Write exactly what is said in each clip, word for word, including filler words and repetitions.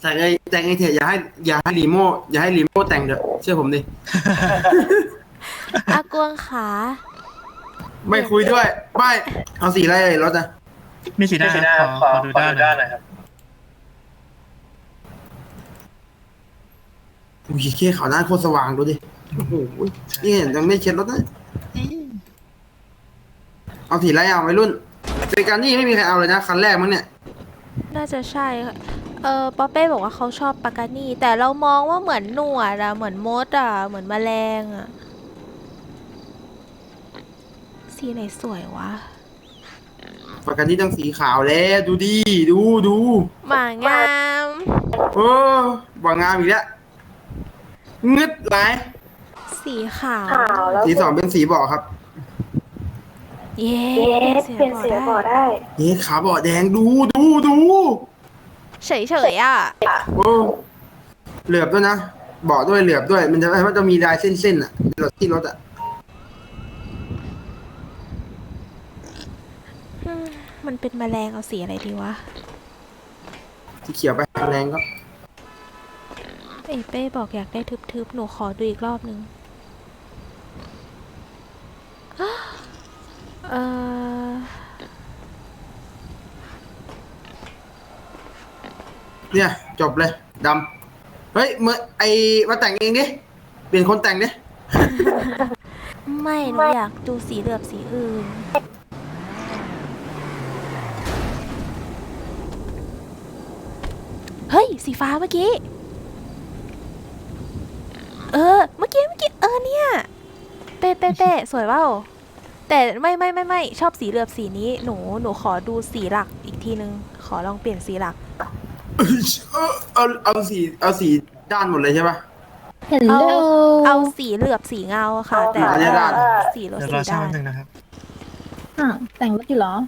แต่งไอแต่งไอเถอะอย่าให้อย่าให้รีโมอย่าให้รีโมแต่งเถอะเชื่อผมดิอากวงขาไม่คุยด้วยไม่เอาสีอะไรเลยรถอะมีสีหน้าขอขอดูด้านหน่อยครับอุ้ยเคขาวหน้าโคตรสว่างดูดิโอ้โหนี่เห็นยังไม่เช็ดรถนะเอาสีอะไรเอาไว้รุ่นเจอกันนี่ไม่มีใครเอาเลยนะคันแรกมั้งเนี่ยน่าจะใช่ค่ะเออป๊อปเป้บอกว่าเขาชอบปากานี่แต่เรามองว่าเหมือนหนวดอะเหมือนมดอะเหมือนแมลงอะสีไหนสวยวะปากกันนี่ต้องสีขาวแล้วดูดิดูดูหมางามโอ้บางงามอีกแล้วงึดหลายสีขาวสีสองเป็นสีเบาะครับเย้เยสเปลี่ยนเสียงบอกได้เฮ้ขาเบาะแดงดูดูดูเฉยเฉยๆอะโอ้เหลือบด้วยนะเบาะด้วยเหลือบด้วย มันจะมันจะมีลายเส้นๆอ่ะรถที่รถอ่ะอืมมันเป็นแมลงเอาสีอะไรดีวะสีเขียวไปแรงก็เอ้ยเป้บอกอยากได้ทึบๆหนูขอดูอีกรอบนึง เออเนี่ยจบเลยดำเฮ้ยเมื่อไอมาแต่งเองดิเปลี่ยนคนแต่งดิไม่หนูอยากดูสีเหลือบสีอื่น เฮ้ย สีฟ้าเมื่อกี้ เออ เมื่อกี้เมื่อกี้เออเนี่ย เป๊ะเป๊ะเป๊ะสวยเปล่าแต่ไม่ไม่ไม่ไม่ชอบสีเหลือบสีนี้หนูหนูขอดูสีหลักอีกทีนึง ขอลองเปลี่ยนสีหลักเออเอาเอาสีเอาสีด้านหมดเลยใช่ปะเห็นเอาเร็วเอาสีเหลือบสีเงาค่ะ แต่เอาเนี่ยด้านสีรถเดี๋ยวสีรอช่างด้านหนึ่งนะครับอ่ะแต่งรถอยู่เหรอ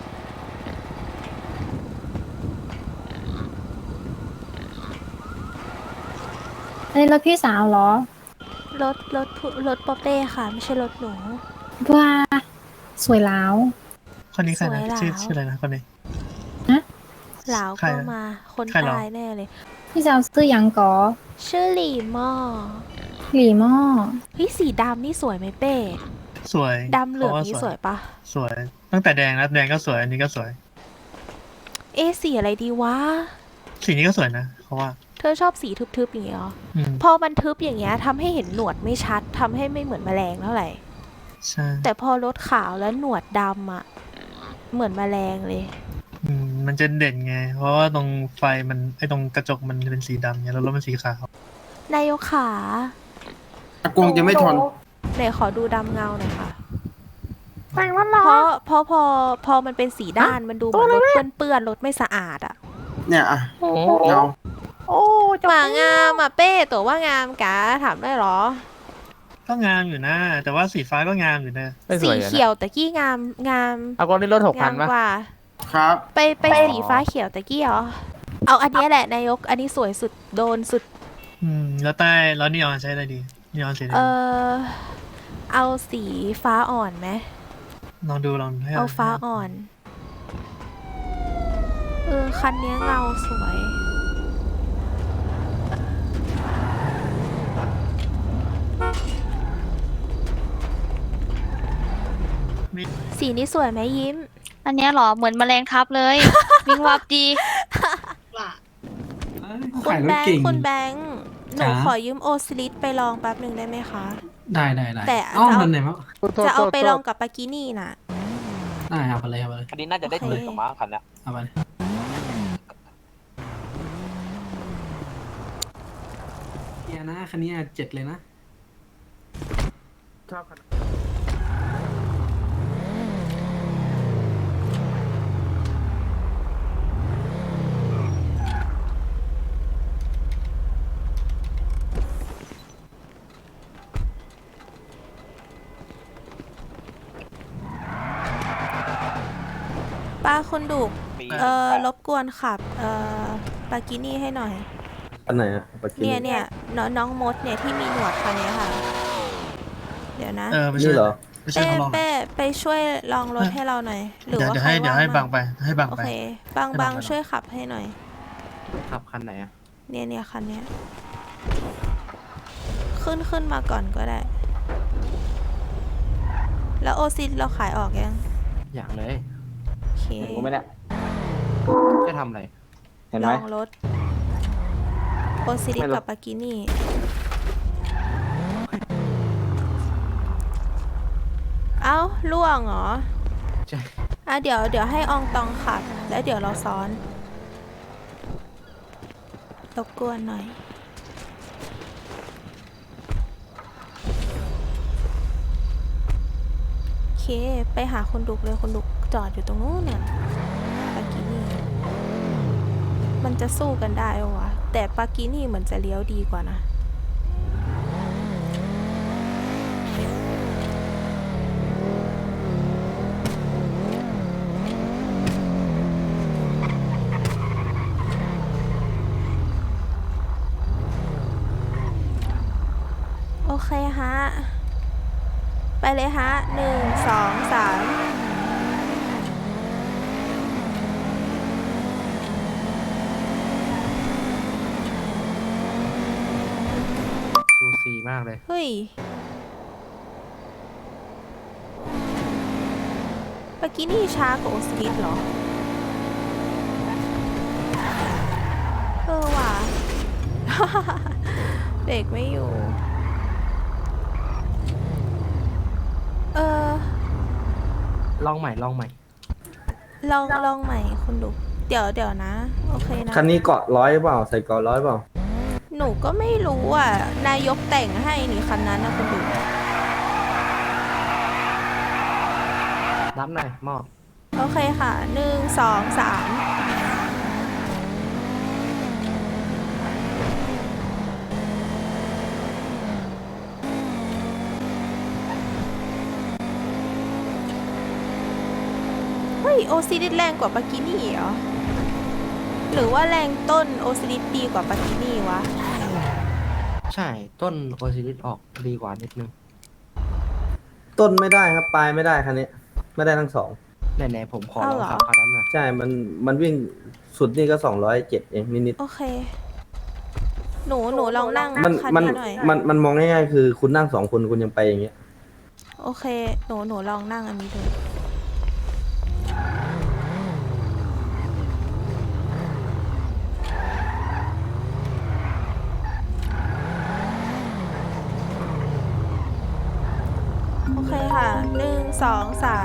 อันนี้รถพี่สาวเหรอรถรถผู้รถป๊อปเป้ค่ะ ไม่ใช่รถหนูว้าสวยแล้วคนนี้ใครนะสวยแล้วชื่อชื่ออะไรนะคนนี้หลาวใครก็อะมาคนใครเหรอตายแน่เลยพี่สาวซื้อหยังก่อชื่อหลี่หม้อหลีหม้อเฮ้ยสีดำนี่สวยไหมเป้สวยดำเหลืองพราะานี่สวยปะสวย ตั้งแต่แดงแล้วแดงก็สวย อันนี้ก็สวยเอะสีอะไรดีวะสีนี้ก็สวยนะเพราะว่าเธอชอบสีทึบๆอย่างเงี้ยเหรออืมพอมันทึบอย่างเงี้ยทำให้เห็นหนวดไม่ชัดทำให้ไม่เหมือนแมลงเท่าไหร่ใช่แต่พอรถขาวแล้วหนวดดำอ่ะ เหมือนแมลงเลยอืมมันจะเด่นไง เพราะว่าตรงไฟมันไอตรงกระจกมันเป็นสีดำไงแล้วรถมันสีขาวนายกขาอากงจะไม่ทนไหนขอดูดำเงาหน่อยค่ะแต่งรถเหรอเพราะเพราะพอพอมันเป็นสีด้านมันดูเหมือนรถเปื้อนๆรถไม่สะอาดอ่ะเนี่ยอ่ะเงาโอ้จบหมางามอ่ะเป้ตัวว่างามกะถามได้เหรอก็งามอยู่นะ แต่ว่าสีฟ้าก็งามอยู่นะไม่สสีวยอะเขียวตะกี้งามงามเอากล้องนี่รถหกพังาน มปะกว่าครับไปไปสีฟ้าเขียวตะกี้เหรอ เอาอันเนี้ยแหละนายก อันนี้สวยสุดโดนสุดอืมแล้วใต้แล้วนีออนใช้อะไรดีนีออนสีอะไรเอดีอเอาสีฟ้าอ่อนไหมลองดูลองให้เอาฟ้าอ่อน เออ คันเนี้ยเงาสวยมีสีนี้สวยไหมยิ้มอันเนี้ยเหรอ เหมือนแมลงทับเลย วิงวับดีคุณแบงค์คุณแบงค์หนูจ๋าขอยืมโอซิลิสไปลองแป๊บหนึ่งได้ไหมคะได้ได้ได้แต่อ้อจะเอามันไหนมั้งจะเอาไปลองกับปากินี่น่ะได้เอาไปเลยเอาไปเลยคันนี้น่าจะได้โอเคตื่นกับม้าคันเนี้ยเอาไปเลยเกียร์นะคันนี้เจ็ดเลยนะชอบคันป้าคุณดุกปีเออรบกวนขับ เออปากินี่ให้หน่อยอันไหนอะปากิเนี่ยเนี่ยน้องน้องมดเนี่ยที่มีหนวดคันเนี้ยค่ะ เดี๋ยวนะเออไปช่นี่วยเหรอไปช่วยเป้เขาลองเป้ไปช่วยลองรถให้เราหน่อย หรือเดี๋ยวว่าเดี๋ยวใครให้เดี๋ยวว่างให้บัมั้งไปให้บังโอไปเค บางให้บับาง งไปช่วยขับให้หน่อยขับคันไหนอะเนี่ยเนี่ยคันเนี้ยขึ้นขึ้นมาก่อนก็ได้ แล้วโอซิเราขายออกยังอย่างเลยโอเคเห็นกูไหมเนี่ยจะทำอะไร เห็นลไหมองรถโอซิลิไม่รู้กับปากินี่ เอ้าล่วงเหรอใช่อ่ะเดี๋ยวเดี๋ยวให้อองตองขับ แล้วเดี๋ยวเราซ้อนรบกวนหน่อย โอเค ไปหาคนดุกเลยคนดุกจอดอยู่ตรงนู้นเนี่ยปากินี่ มันจะสู้กันได้ปะวะ แต่ปากินี่เหมือนจะเลี้ยวดีกว่านะ โอเคฮะ ไปเลยฮะหนึ่งสองสามซูซีมากเลยเฮ้ยเมื่อกี้นี่ช้ากว่าโอสลิดเหรอ เออว่ะ เบรกไม่อยู่ เออลองใหม่ ลองใหม่ลองลองใหม่คุณดู เดี๋ยวเดี๋ยวนะ โอเคนะคันนี้เกาะร้อยเปล่า ใส่เกาะร้อยเปล่าหนูก็ไม่รู้อ่ะ นายกแต่งให้นี่คันนั้นนะคุณดูรับหน่อยมอบโอเคค่ะหนึ่งสองสาม เฮ้ย โอซิลิสแรงกว่าปากินี่เหรอ หรือว่าแรงต้นโอซิลิสดีกว่าปากินี่วะใช่ ต้นโอซิลิสออกดีกว่านิดนึงต้นไม่ได้ครับ ปลายไม่ได้คันนี้ ไม่ได้ทั้งสองไหนๆผมขอลเอาองเหรอขับคันนั้นหน่อยใช่ มัน มันวิ่งสุดนี่ก็สองร้อยเจ็ดเองนิดโอเค หนูหนูลองนั่งๆมันคันมันนี้หน่อยมัน มันมองง่ายๆคือคุณนั่งสองคนคุณยังไปอย่างเงี้ยโอเค หนูหนูลองนั่งอันนี้ดูโอเคค่ะหนึ่งสองสาม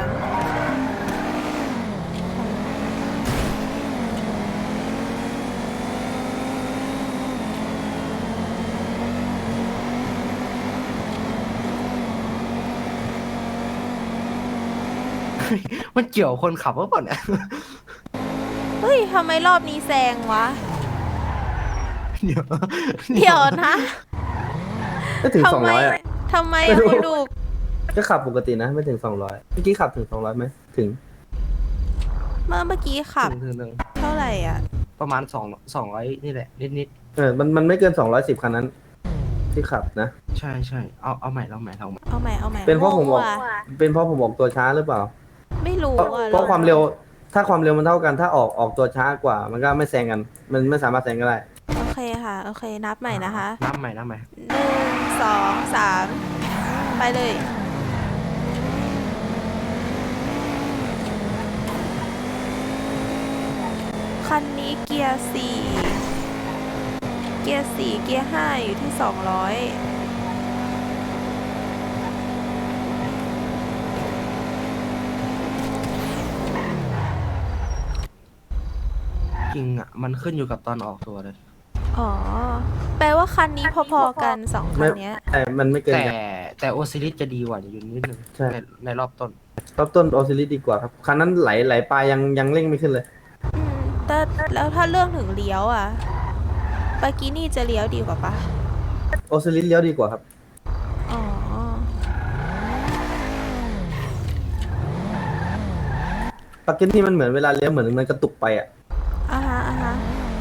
มันเกี่ยวคนขับหรือเปล่าเนี่ยเฮ้ย ทำไมรอบนี้แซงวะเดี๋ยวเดี๋ยวนะไม่ถึงสองทำไมร้อยอ่ะทำไมไม่อะรู้คุณดูก็ขับปกตินะ ไม่ถึงสองร้อยเมื่อกี้ขับถึงสองร้อยไหม ถึงเมื่อเมื่อกี้ขับถึงถึงถึงเท่าไหร่อ่ะประมาณสองสองร้อยนี่แหละ นิดนิดเออ มัน มันไม่เกินสองร้อยสิบคันนั้น ที่ขับนะๆใช่ใช่เอาเอาใหม่ลองใหม่ลองใหม่เอาใหม่เอาใหม่เป็นเพราะผมบอกงงว่ะเป็นเพราะผมออกตัวช้าหรือเปล่าไม่รู้เพราะอ่ะเพราะความเร็ว ถ้าความเร็วมันเท่ากัน ถ้าออก ออกตัวช้ากว่า มันก็ไม่แซงกัน มันไม่สามารถแซงกันได้โอเคค่ะ โอเค นับใหม่นะคะนับใหม่นับใหม่หนึ่งสองสามไปเลย คันนี้เกียร์สี่เกียร์สี่เกียร์ห้าอยู่ที่สองร้อยจริงอ่ะ มันขึ้นอยู่กับตอนออกตัวเลยอ๋อ แปลว่าคันนี้พอๆกันสองคัไม่นเนี้ยแต่มันไม่เกินแต่กันแต่โอซิลิสจะดีกว่าอยู่นิดนึงใช่ในในรอบต้นรอบต้นออซิลิสดีกว่าครับ คันนั้นไหลไหลปลายยังยังเร่งไม่ขึ้นเลยอืมแต่แล้วถ้าเรื่องถึงเลี้ยวอ่ะปากินี่จะเลี้ยวดีกว่าปะออซิลิสเลี้ยวดีกว่าครับอ๋อปากเก็ตที่มันเหมือนเวลาเลี้ยวเหมือนมันกระตุกไปอ่ะอ่าฮะอ่าฮะ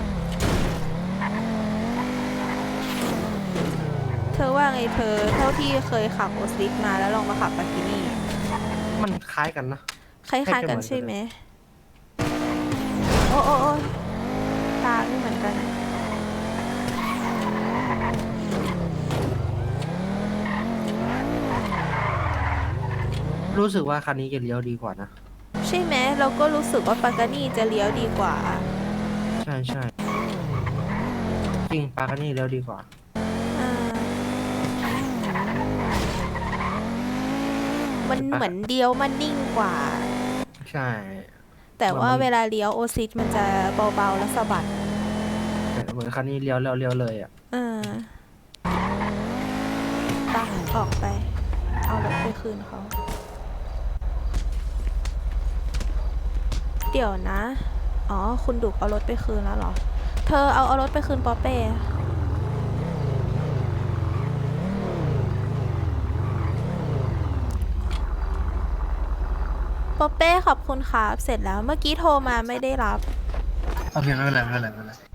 เธอว่าไงเธอ เท่าที่เคยขับโอสลิกมาแล้วลองมาขับปากินี่มันคล้ายกันนะคล้ายๆกันใช่ไหม โอ้โอ้โอ้ตาไม่เหมือนกันอะรู้สึกว่าคันนี้จะเลี้ยวดีกว่านะใช่ไหมเราก็รู้สึกว่าปากานี่จะเลี้ยวดีกว่าใช่ใช่จริงปาคันนี้เลี้ยวดีกว่าอ่ามันเห็นปะเหมือนเลี้ยวมันนิ่งกว่าใช่แต่ว่ามันเวลาเลี้ยวโอซิสมันจะเบาๆแล้วสะบัดเหมือนคันนี้เลี้ยวแล้วเลี้ยวเลยอ่ะเออไปออกไป เอารถไปคืนเขา เดี๋ยวนะ อ๋อ คุณดุกเอารถไปคืนแล้วเหรอ เธอเอาเอารถไปคืนปอเป้ปอเป้ขอบคุณครับ เสร็จแล้ว เมื่อกี้โทรมาไม่ได้รับโอเคไม่เป็นไรไม่เป็นไรไม่เป็นไร